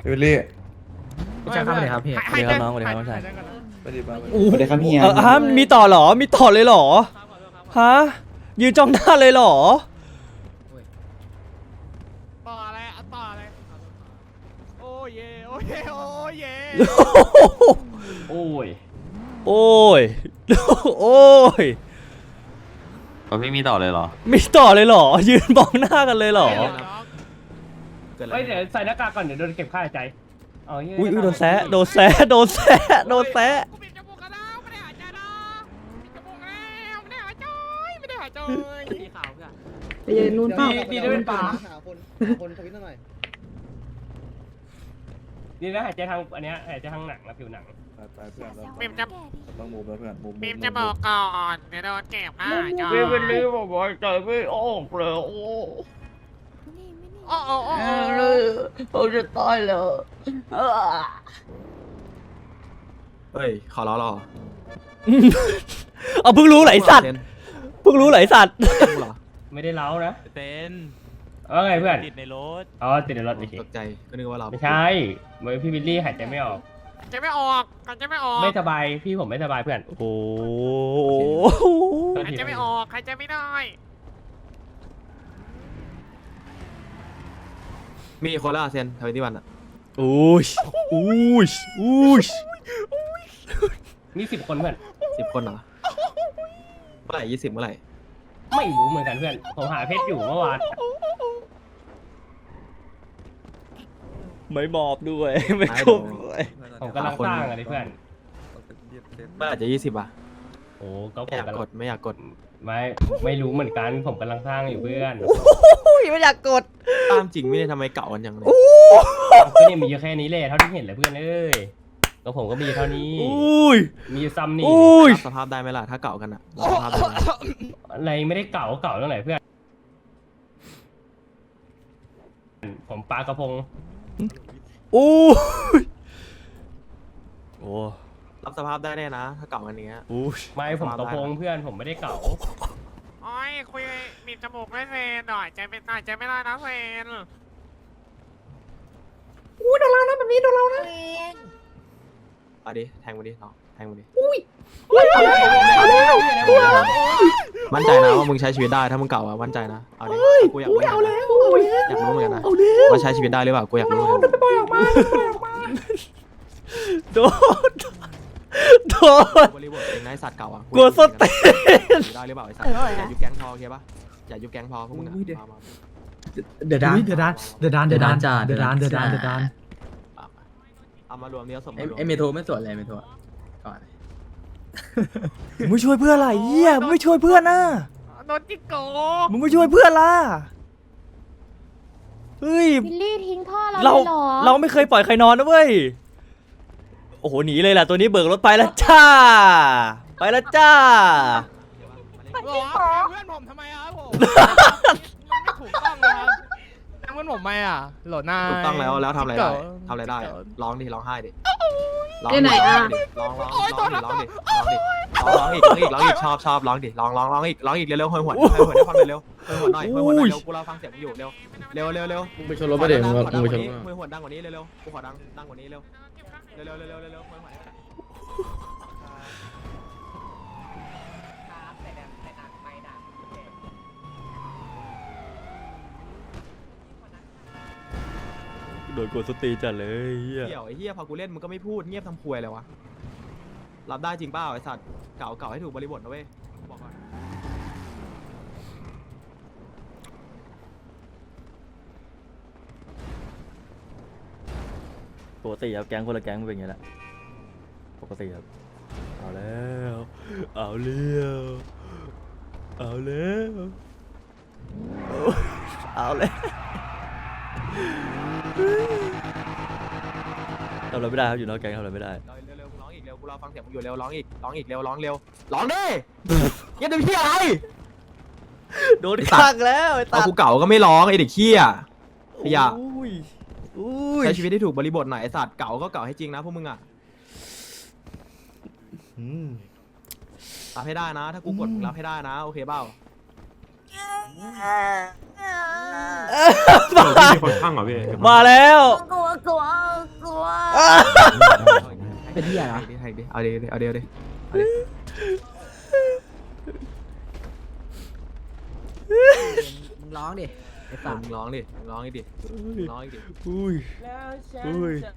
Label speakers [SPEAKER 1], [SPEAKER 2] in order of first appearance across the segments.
[SPEAKER 1] วิลลี่
[SPEAKER 2] ไม่ใช่ครับเลยครับพี่
[SPEAKER 3] สวัสดีครับน้องสวัสดีครับน้องชาย
[SPEAKER 1] ไปดิบ้า
[SPEAKER 4] สวัสดีครับเฮีย
[SPEAKER 3] ฮะมีต่อเหรอมีต่อเลยเหรอฮะยืนจ้องหน้าเลยเหรอ
[SPEAKER 2] ต่ออะไรต่ออะไรโอ้ยโอ้ยโอ้ย
[SPEAKER 5] โอ้ย
[SPEAKER 3] โอ้ยโอ้ย
[SPEAKER 5] พี่มีต่อเลยเหรอ
[SPEAKER 3] มีต่อเลยเหรอยืนมองหน้ากันเลยเหรอ
[SPEAKER 5] เฮ้ยเดี๋ยวใส่หน้ากากก่อนเดี๋ยวโดนเก็บค่าหายใจ
[SPEAKER 3] อุ้ยโดนแซะโดนแซะโดนแซะโดนแซะ
[SPEAKER 2] กูปิดจมูกกันแล้วไม่ได้หายใจนะปิดจมูกแล้วไม่ได้หายใจไม่ได้หายใจสีขาวเพื่อน
[SPEAKER 6] ไปยืนนู่นเปล่า
[SPEAKER 5] ดีได้เป็นป่า
[SPEAKER 4] หาคนทวิตหน่อย
[SPEAKER 5] ดีนะหายใจทางอันเนี้ยหายใจทางหนังนะผิวหนัง
[SPEAKER 1] ไปเพื่อน
[SPEAKER 2] ปิมจะ
[SPEAKER 1] ต้องมูฟแล้วเพื่อนมูฟ
[SPEAKER 2] ปิมจะบอกก่อนเดี๋ยวโดนเก็บอ่ะจอ
[SPEAKER 5] พี่เป็นรีบบอกว่าใจไม่ออกเลยโอ้
[SPEAKER 2] โอ้โอ้โอ้
[SPEAKER 5] ผมจะตายแล้ว
[SPEAKER 7] เฮ้ย ขอร้องหรอ
[SPEAKER 3] เอาเพิ่งรู้ไหลสัตว์เพิ่งรู้ไหลสัตว์
[SPEAKER 7] เหรอ
[SPEAKER 5] ไม่ได้เล้านะ
[SPEAKER 8] เต้น
[SPEAKER 5] ไงเพื่อน
[SPEAKER 8] ติดในรถ
[SPEAKER 5] อ๋อติดในรถโอเค
[SPEAKER 7] ตกใจ ก็นึกว่าเรา
[SPEAKER 5] ไม่ใช่เหมือนพี่วิลลี่หายใจไม่ออก
[SPEAKER 2] จะไม่ออกกันจะไม่ออก
[SPEAKER 5] ไม่สบายพี่ผมไม่สบายเพื่อน
[SPEAKER 3] โอ้โห
[SPEAKER 2] ใครจะไม่ออกใครจะไม่ได้
[SPEAKER 7] มีคนละเซนทวิตวันอ่ะ
[SPEAKER 3] อุ้ยอุ้ยอุ้ย
[SPEAKER 5] มี10 คนเพื่อน
[SPEAKER 7] 10 คนเหรอ เมื่อไหร่20เมื่อไหร่
[SPEAKER 5] ไม่รู้เหมือนกันเพื่อนผมหาเพชรอยู่เมื่อวาน
[SPEAKER 3] ไม่มอบด้วยไม่คบด้วย
[SPEAKER 5] ผมกำลังสร้างอะไรเพื่อน
[SPEAKER 7] เมื่อไหร่จะ20อ่ะ
[SPEAKER 5] โอ้ก็ผ
[SPEAKER 7] ไม่
[SPEAKER 5] ม
[SPEAKER 7] อยาก
[SPEAKER 5] กำ
[SPEAKER 7] ก
[SPEAKER 5] ลั
[SPEAKER 7] ด
[SPEAKER 5] ง
[SPEAKER 7] ไม่อยากกด
[SPEAKER 5] ไม่รู้เหมือนกันผมกำลังสร้างอยู่เพื่อน
[SPEAKER 3] อุ้ยไม่อยากกด
[SPEAKER 7] ตามจริงไม่ได้ทำไมเก่ากันอย่างเลย
[SPEAKER 5] ก็เนี่ยมีอยู่แค่นี้เลยเท่าที่เห็นเลยเพื่อนเอ้ยก็ผมก็มีเท่านี้
[SPEAKER 3] อุ้ย
[SPEAKER 5] มีอยู่ซ้ำนี่
[SPEAKER 3] อุ้ย
[SPEAKER 7] รับสภาพได้ไหมล่ะ ถ้าเก่ากันอ่ะรับสภาพได้ไหม
[SPEAKER 5] อะไรไม่ได้เก่าเรื่องไหนเพื่อน ผมปลากระพง
[SPEAKER 3] อุ้ยโอ้
[SPEAKER 7] รับสภาพได้แน่นะ ถ้าเก่ากันอย่างเงี้ย
[SPEAKER 3] อุ้ย
[SPEAKER 5] ไม่ผมกระพงเพื่อนผมไม่ได้เก่า
[SPEAKER 2] โอ้ยคุยบีบจมูกไม่เซนหน่อยใจเป็นหน่อยใจไม่ได้นะเซน
[SPEAKER 7] เอาดิ แทงมาดิน้องแทงมาดิ
[SPEAKER 6] เอาแล้ว
[SPEAKER 7] มั่นใจนะว่ามึงใช้ชีวิตได้ ถ้ามึงเก่าอ่ะ มั่นใจนะ เอาดิกูอยากรู้อยากรู้เหมือนกันนะว่าใช้ชีวิตได้หรือเปล่า กูอยากรู้เหมือนกัน
[SPEAKER 3] โดนโดน
[SPEAKER 7] บริบทเองนะไอ้สัตว์เก่าอ่ะ
[SPEAKER 3] กลัวส้นเต้น
[SPEAKER 7] ได้หรือเปล่าไอ้สัตว์อย่ายุบแก๊งพอโอเคปะอย่ายุบแก๊งพอพวกมึงอ่ะมา
[SPEAKER 6] เดือดดานเดือดดานเดือดดานเดือดดานจ้าเดือดดานเดือดดานเดือดดาน
[SPEAKER 7] เอามารวมเนี้ยสม
[SPEAKER 4] ไอเมโทรไม่สวนเลยเมโทรก่อน
[SPEAKER 3] มึงไม่ช่วยเพื่อนอะไรเหี้ยมึงไม่ช่วยเพื่อนนะ
[SPEAKER 2] โดนจิกโก
[SPEAKER 3] มึงไม่ช่วยเพื่อนล่ะเฮ้ย
[SPEAKER 9] วิลลี่ทิ้งท่อเรา
[SPEAKER 3] เรา
[SPEAKER 9] เลยเหรอ
[SPEAKER 3] เราไม่เคยปล่อยใครนอนนะเว้ยโอ้โหหนีเลยแหละตัวนี้เบิกรถไปแล้วจ้าไปแล้วจ้า
[SPEAKER 2] เพื่อนผมทำไมครับผมมันไม่ถูกต้องนะครับเพื่อนผมไม่อ่ะโหลดหน้า
[SPEAKER 7] ถูกต้องแล้วทำอะไรได้ทำอะไรได้ร้องดิร้องไห้ดิร้องดิร้องอีกชอบร้องดิร้องอีกเร็วๆหวยให้ความเร็วหน่อยเร็วกูรอฟังเสียงอยู่เร็ว
[SPEAKER 4] มึงไปชนรถไปเดี๋ยวมึงไปชน
[SPEAKER 7] หวยดังกว่านี้เร็วกูขอดังกว่านี้เร็วหวย
[SPEAKER 3] โดนกดสตีจัดเลยเหี้ย
[SPEAKER 7] เกี่ยวไอ้เหี้ยพอกูเล่นมึงก็ไม่พูดเงียบทำควยเลยวะรับได้จริงเปล่าไอ้สัตว์เก่าให้ถูกบริบทนะเว้ยบอกก่อน
[SPEAKER 3] ปกติครับแก๊งคนละแก๊งมันเป็นอย่างนี้แหละปกติครับเอาแล้วเอาเลี้ยวเอาแล้วเอาแล้วทำอะไรไม่ได้ครับอยู่นอกแก๊งทำอะไรไม่ได้
[SPEAKER 7] เร็วร้องอีกเร็วกูรอฟังเสียงมึงอยู่เร็วร้องอีกเร็วร้องดิเงียบดิพี่อะไร
[SPEAKER 3] โดนขังแล้วไอ้
[SPEAKER 7] พ
[SPEAKER 3] ตา
[SPEAKER 7] อกูเก่าก็ไม่ร้องไอ้เด็กเขี้ยขยะ
[SPEAKER 3] อุ้ย
[SPEAKER 7] ใช้ชีวิตให้ถูกบริบทหน่อยไอ้สัตว์เก่าก็เก่าให้จริงนะพวกมึงอ่ะ
[SPEAKER 3] อืม
[SPEAKER 7] รับให้ได้นะ ถ้ากูกดมึงรับให้ได้นะโอเคเปล่า
[SPEAKER 3] มาแล้ว
[SPEAKER 4] เป็นเหี้ยเหรอ
[SPEAKER 7] เอาดิเอาดิ
[SPEAKER 4] มึงร้องดิไอ้สัตว์
[SPEAKER 7] มึงร้องดิร้องอีกดิ
[SPEAKER 3] อุ้ยอุ้ย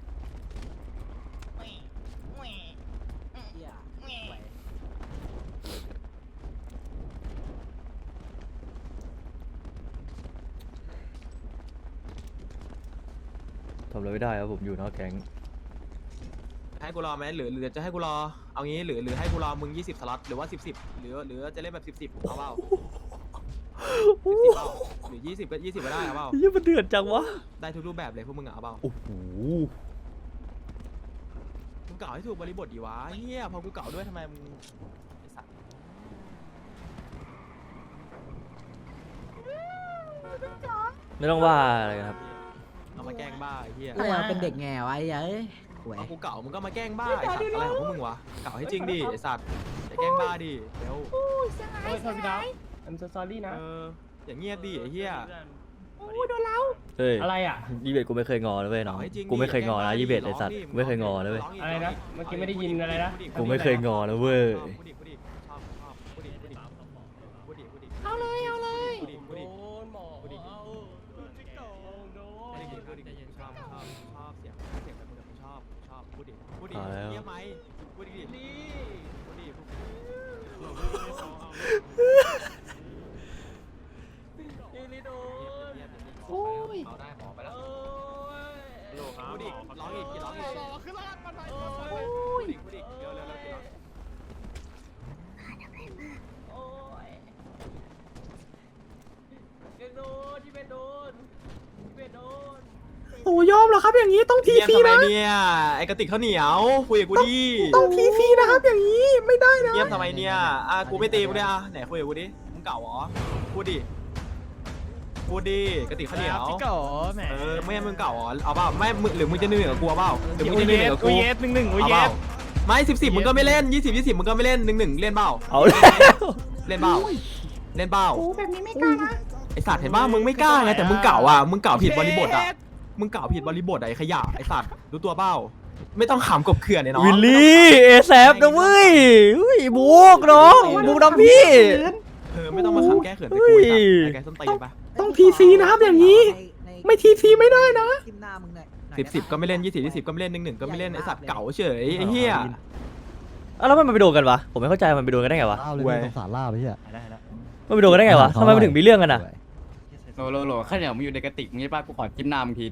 [SPEAKER 3] ทำอะไรไม่ได้ครับผมอยู่นอกแก๊ง
[SPEAKER 7] ให้กูรอไหมหรือจะให้กูรอเอางี้หรือให้กูรอมึง20สล็อตหรือว่า10หรือจะเล่นแบบ10เอาเปล่า10เปล่าหรือ20ก็20ก็ได้เอาเปล่า
[SPEAKER 3] เหี้ยมันเดือดจังวะ
[SPEAKER 7] ได้ทุกรูปแบบเลยพวกมึงเอาเปล่า
[SPEAKER 3] โอ้โห
[SPEAKER 7] มึงเก่าให้ถูกบริบทดีวะเฮียพอกูเก่าด้วยทำไมมึงไอ้สัตว์
[SPEAKER 3] ไม่ต้องว่าอะไรครับ
[SPEAKER 7] เอามาแกล้งบ้าไอ้เฮีย
[SPEAKER 4] เราเป็นเด็กแง่ไว้เอ้ยหวย
[SPEAKER 7] พอกูเก่ามึงก็มาแกล้งบ้าไอ้สัตว์อะไรของพวกมึงวะเก่าให้จริงดิไอ้สัตว์อย่าแกล้งบ้าดิเร็ว
[SPEAKER 5] โอ้ยโทษพี่ดาว I'm so sorry นะ
[SPEAKER 7] อย่างเงียบดิไอ้เฮีย
[SPEAKER 3] เฮ้ย
[SPEAKER 5] อะไรอ่ะ
[SPEAKER 3] ยี่เบตกูไม่เคยงอเลยเว้ยน้อง
[SPEAKER 7] เก่าให้จริงดิ
[SPEAKER 3] กูไม่เคยงอนะ
[SPEAKER 7] แกล้
[SPEAKER 3] ยี่เบต
[SPEAKER 7] ดิ
[SPEAKER 3] ไอสัตว์
[SPEAKER 7] ร้งดิ
[SPEAKER 3] กูไม่เคยงอเลยเว้ย
[SPEAKER 7] ร้งก
[SPEAKER 5] อะไรนะเมื่อกี้ไม่ได้ยินอะไรนะ
[SPEAKER 3] กูไม่เคยงอนะเว้ย
[SPEAKER 7] พูดดิชอบพูดดิเอาเลยพูดดิ
[SPEAKER 5] โดนหมอ
[SPEAKER 7] พูดดิ
[SPEAKER 5] เอาโดน
[SPEAKER 7] ชอบเสียงแบบมึงชอบพูดดิเงียบไหมพูดดิพูดดิโอ้ยเอาได้หมอไปแล้วพูดดิร้องอีกขึ้นร้องกันไปพูดดิเร็วกี่ร้อง
[SPEAKER 5] โอ้ยโดนที่เป็นโดนที่เป็นโดน
[SPEAKER 6] โอ้ยอมเหรอครับอย่างนี้ต้องที
[SPEAKER 7] เงียบ
[SPEAKER 6] ซี
[SPEAKER 7] ทำไม
[SPEAKER 6] นะ
[SPEAKER 7] เนี่ยไอ้กระติกข้าวเหนียวคุยกับกูดิ
[SPEAKER 6] ต้องทีซีนะครับอย่างนี้ไม่ได้นะ
[SPEAKER 7] เงียบทำไมเนี่ยกูไม่ตีกูด้วยไหนคุยกับกูดิมึงเก่าเหรอพูดดิกระติกข้าวเหนียว
[SPEAKER 2] พี่เก๋แหม
[SPEAKER 7] ไม่มึงเก่าเหรอเอาเปล่าไม่มึงหรือมึงจะเหนื่อยกับกูเอาเปล่าหรือมึงจะเหนื่อยกับ
[SPEAKER 2] กู
[SPEAKER 7] กู
[SPEAKER 2] เย็ดหนึ่งกู
[SPEAKER 7] เอา
[SPEAKER 2] เย็
[SPEAKER 7] เปล่า
[SPEAKER 2] ด
[SPEAKER 7] ไม่10มึงก็ไม่เล่น20มึงก็ไม่เล่น1เล่นเปล่า
[SPEAKER 3] เอาแล้ว
[SPEAKER 7] เล่นเปล่า
[SPEAKER 6] โอ้แบบนี้ไม่กล้านะ
[SPEAKER 7] ไอสัตว์เห็นป่ะมึงไม่กล้าไงแต่มึงเก่าอ่ะมึงเก่าผิดบริบทอ่ะมึงเก่าผิดบริบทไอ้ขยะไอสัตว์รู้ตัวเปล่าไม่ต้องขำกบเขื่อนเนี่ยน้อง
[SPEAKER 3] วิลลี่เอแซฟนะเว้ยอุ้ยบุกน้องบุกน้องพี่
[SPEAKER 7] ไม่ต้องมาขำแก้เขื่อนไปกูไอ้แกส้นตีนปะ
[SPEAKER 6] ต้องทีซีนะครับอย่างนี้ ไม่ทีซีไม่ได้นะ
[SPEAKER 4] ทิมหน้ามึงหน่อย
[SPEAKER 7] 10ก็ไม่เล่น20ก็ไม่เล่น1ก็ไม่เล่นไอสัตว์เก่าเฉยไอ้เหี้ย
[SPEAKER 3] แล้วมันไปโดนกันวะผมไม่เข้าใจมันไปโดนกันได้ไงวะ
[SPEAKER 8] ล่าเลย
[SPEAKER 7] เว้ย
[SPEAKER 8] สงสารล่าไปเหี้ย
[SPEAKER 3] มันไปโดนกันได้ไงวะทำไมมันถึงมีเรื่องกันอ่ะ
[SPEAKER 9] โหลข้าวเหนียวมึงอยู่ในกระติกมึงใช่ป่ะกูขอจิ้มน้ำมึงทีดิ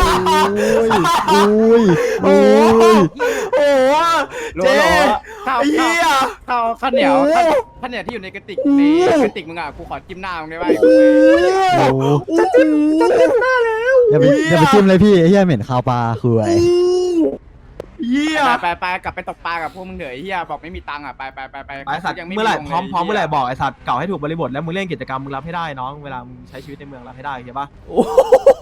[SPEAKER 8] อุ้ย
[SPEAKER 7] โอ้โห
[SPEAKER 9] โหล
[SPEAKER 7] เจ๊
[SPEAKER 9] ข้าว
[SPEAKER 7] ไอ้เหี้ย
[SPEAKER 9] ข้าวเหนียวข้าวเหนียวที่อยู่ในกระติกในกระติกมึงอ่ะกูขอจิ้มน้ำมึงได้ป่ะ
[SPEAKER 8] โอ้จะจิ้มหน้าแล้วอย่าไปจิ้มเลยพี่ไอ้เหี้ยเหม็นคาวปลาคือไอ้
[SPEAKER 7] เหี้ย
[SPEAKER 9] ไปกลับไปตกปลากับพวกมึงเถอะไอ้เหี้ยบอกไม่มีตังค์อ่ะไป
[SPEAKER 7] ไอสัตว์เมื่อไหร่พร้อมเมื่อไหร่บอกไอสัตว์เก่าให้ถูกบริบทแล้วมึงเล่นกิจกรรมมึงรับให้ได้น้องเวลามึงใช้ชีวิตในเมืองรับให้ได้เข้าใจปะ
[SPEAKER 3] โอ้โห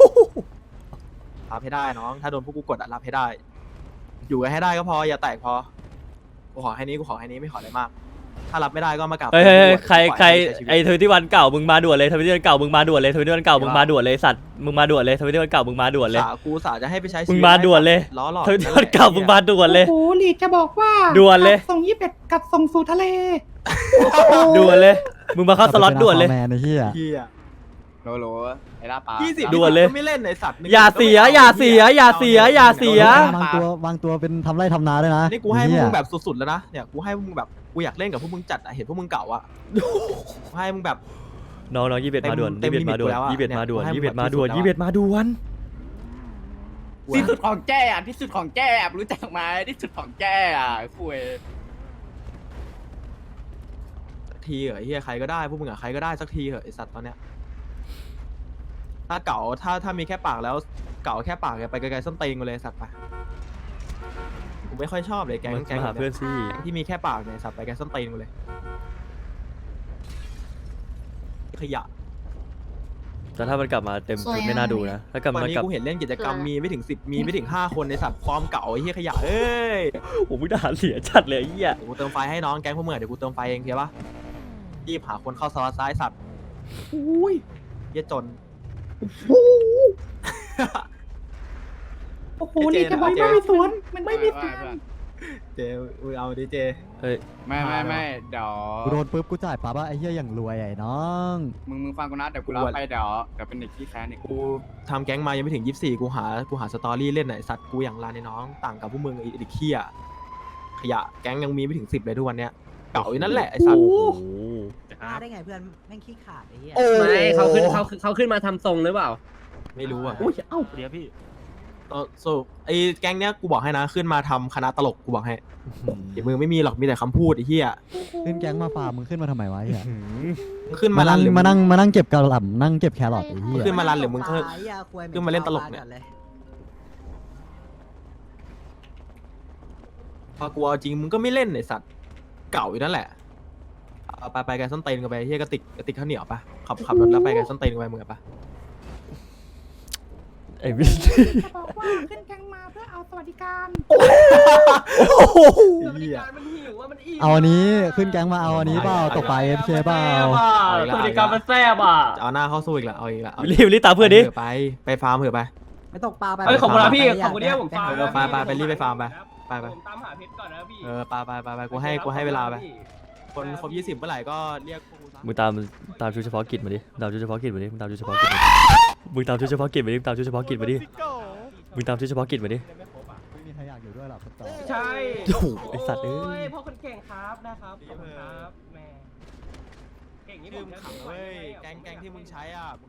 [SPEAKER 7] รับให้ได้น้องถ้าโดนพวกกูกดอะรับให้ได้ อยู่กันให้ได้ก็พออย่าแตกพอกูขอแค่นี้ไม่ขออะไรมาก ถ้ารับไม่ได้ก็มากลับ
[SPEAKER 3] เฮ้ยใครไอ้ทวิตวันเก่ามึงมาด่วนเลยทวิตวันเก่ามึงมาด่วนเลยทวิตวันเก่ามึงมาด่วนเลยสัตว์มึงมาด่วนเลยทวิตวันเก่ามึงมาด่วนเลย
[SPEAKER 7] กูสาจะให้ไปใช้ชี
[SPEAKER 3] มึ
[SPEAKER 7] วิ
[SPEAKER 3] ง
[SPEAKER 7] ต
[SPEAKER 3] มาด่วนเลย
[SPEAKER 7] ล้อหลอก
[SPEAKER 3] ทวิตวันเก่ามึงมาด่วนเลย
[SPEAKER 6] โอ้โหลีดจะบอกว่า
[SPEAKER 3] ด่วนเลย
[SPEAKER 6] ส่ง21กับส่งสู่ทะเล
[SPEAKER 3] ด่วนเลยมึงมาเข้าสล็อตด่วนเลย
[SPEAKER 8] แมนไอ้เหี้ย
[SPEAKER 7] เหี้ย
[SPEAKER 9] โหลไอ้ล่าปลา
[SPEAKER 7] 20
[SPEAKER 3] ด่วนเลย
[SPEAKER 7] ก็ไม่เล่นไอสัตว์
[SPEAKER 3] อย่าเสีย
[SPEAKER 8] วางตัวเป็นทำไร่ทำนาด้วยนะ
[SPEAKER 7] นี่กูให้พวกมึงแบบสุดๆแล้วนะเนี่ยกูให้พวกมึงแบบกูอยากเล่นกับพวกมึงจัดอะเห็นพวกมึงเก่าอะกูให้มึงแบบ
[SPEAKER 3] น้องยี่เบ็ดมาด่วน
[SPEAKER 7] เต็
[SPEAKER 3] ยี่
[SPEAKER 7] ม
[SPEAKER 3] เบ็ดมาด่วน
[SPEAKER 7] ลิมิตกูแล้วอะ
[SPEAKER 3] ยี่เบ็ดมาด่วน
[SPEAKER 7] เนี่ย
[SPEAKER 3] ยี่เบ็ดมาด่วน
[SPEAKER 7] ให้มึง
[SPEAKER 3] ยี่เบ็ดมาด่วน
[SPEAKER 9] ที่สุดของแจ้อะที่สุดของแจ้รู้จักไหมที่สุดของแจ้อะคุย
[SPEAKER 7] ทีเหรอไอ้เฮียใครก็ได้พวกมึงอะใครก็ได้สักทีเหอะไอสัตว์ตอนเนี้ยถ้าเก่าถ้ามีแค่ปากแล้วเก่าแค่ปากไปไกลๆส้นตีนกูเลยสัตว์ไปกูไม่ค่อยชอบเลยแก๊ง
[SPEAKER 3] มาหาเพื่อนสิ
[SPEAKER 7] ที่มีแค่ปากเนี่ยสัตว์ไปไกลส้นตีนกูเลยขยะ
[SPEAKER 3] แต่ถ้ามันกลับมาเต็มชุดไม่น่าดูนะถ้ากลับ
[SPEAKER 7] วัน
[SPEAKER 3] มา
[SPEAKER 7] นี้
[SPEAKER 3] กลับ
[SPEAKER 7] กูเห็นเล่นกิจกรรมมีไม่ถึง10มีไม่ถึง5คนในสัตว์ฟอร์มเก่าไอ้เหี้ยขยะเอ้ย
[SPEAKER 3] ผมมึงทหารเสียจัดเลยไอ้เหี้ย
[SPEAKER 7] เดี๋ยวกูเติมไฟให้น้องแก๊งพวกมึงอะเดี๋ยวกูเติมไฟเองเข้าปะรีบหาคนเข้าสล็อตซ้ายสัตว์อุ้ยเหี้ยจนโอ้โหนี่จะบอกไม่มีสวน
[SPEAKER 9] มันไม่มีสวน
[SPEAKER 7] เจมึงเอาดิเจ
[SPEAKER 3] เฮ้ย
[SPEAKER 9] ไม่เดี๋ยว
[SPEAKER 8] กูโดนปุ๊บกูจ่ายปั๊บว่าไอ้เหี้ยอย่างรวยไอ้น้อง
[SPEAKER 9] มึงฟังกูนะเดี๋ยวกูรับไปเดี๋ยวเป็นเด็กที่แค้นอีก
[SPEAKER 7] กูทำแก๊งมายังไม่ถึง24กูหาสตอรี่เล่นไหนสัตว์กูอย่างลานในน้องต่างกับพวกมึงไอ้เด็กเหี้ยขยะแก๊งยังมีไม่ถึง10เลยทุกวันเนี้ยเก่าอยู่นั่นแหละไอ้สัตว์
[SPEAKER 3] โอ้โห
[SPEAKER 4] กล้าได้ไงเพื่อนแม่งขี้ขาดไอ้เหี้ย
[SPEAKER 5] ไม่เขาขึ้นมาทำทรงหรือเปล่า
[SPEAKER 7] ไม่รู้อ่ะ
[SPEAKER 5] เดี๋ยวพี่
[SPEAKER 7] ไอ้แก๊งเนี้ยกูบอกให้นะขึ้นมาทำคณะตลกกูบอกให้เดี๋ยวมึงไม่มีหรอกมีแต่คำพูดไอ้เหี้ย
[SPEAKER 8] ขึ้นแก๊งมาฟาร์มมึงขึ้นมาทำไมวะไอ้เหี้ย
[SPEAKER 7] มึงขึ้น
[SPEAKER 8] มา
[SPEAKER 7] มารั
[SPEAKER 8] นั่
[SPEAKER 7] น
[SPEAKER 8] ง
[SPEAKER 7] หรือ
[SPEAKER 8] มานั่งเก็บกระหล่ำนั่งเก็บแครอทไอ้เหี้ย
[SPEAKER 7] ขึ้นมารันหรือมึงขึ้น
[SPEAKER 4] ไอ้เหี้ยควย
[SPEAKER 7] ขึ้นมาเล่นตลกเนี่ย พอกูเอาจริงมึงก็ไม่เล่นไอ้สัตว์เก่าอยู่นั่นแหละเอาไปไกลส้นเตนกันไปเฮียกระติกข้าวเหนียวปะขับรถแล้วไปไกลส้นเตนกันไปมึงอะปะ
[SPEAKER 3] ไอ้วิน
[SPEAKER 9] บอกว่าขึ้นแก๊งมาเพื่อเอาสวัสดิการ
[SPEAKER 5] สวัสดิการมันหิวว่ามันอิ่ม
[SPEAKER 8] เอาอันนี้ขึ้นแก๊งมาเอาอันนี้เปล่าตกปลาFKเปล่า
[SPEAKER 5] สวัสดิการมันแซ่บอ่ะ
[SPEAKER 7] จะเอาหน้าเข้าสู้อีกละเอาอีกละ
[SPEAKER 3] รีบตามเพื่อนดิ
[SPEAKER 7] ไปฟาร์มเถอะไป
[SPEAKER 4] ไปตกปลาไป
[SPEAKER 5] เอ้ยขอบคุณนะพี่
[SPEAKER 4] ไป
[SPEAKER 5] ขอบคุณที่ให้ผมฟัง
[SPEAKER 7] ไปรีบไปฟาร์มไปไป
[SPEAKER 5] ผมตามหาเพชรก่อนนะพี่
[SPEAKER 7] ไปกูให้เวลาไปคนครบ20เมื่อไหร่ก็เรียกพวกกูซะ
[SPEAKER 3] มึงตามชุดเฉพาะกิจมาดิตามชุดเฉพาะกิจมาดิมึงตามชุดเฉพาะกิจมาดิมึงตามชุดเฉพาะกิจมาดิมึงตามชุดเฉพาะกิจมาดิมึงตามชุดเฉพาะกิจมาดิ
[SPEAKER 8] ไม่มีใครอยากอยู่ด้วยหรอกครับต่อ
[SPEAKER 5] ใช่
[SPEAKER 3] โอ้โหไอ้สัตว์เอ้ย
[SPEAKER 5] พ่อคนเก่งครับนะครับขอบคุณครับแม่เก่งนี่ผ
[SPEAKER 7] ชื่อ
[SPEAKER 5] ม
[SPEAKER 7] มึง
[SPEAKER 5] จะ
[SPEAKER 7] ขัง
[SPEAKER 5] ไม่ไหว
[SPEAKER 7] เว้ย
[SPEAKER 5] ได้ไง
[SPEAKER 7] แก๊งที่มึงใช้อ่ะมึง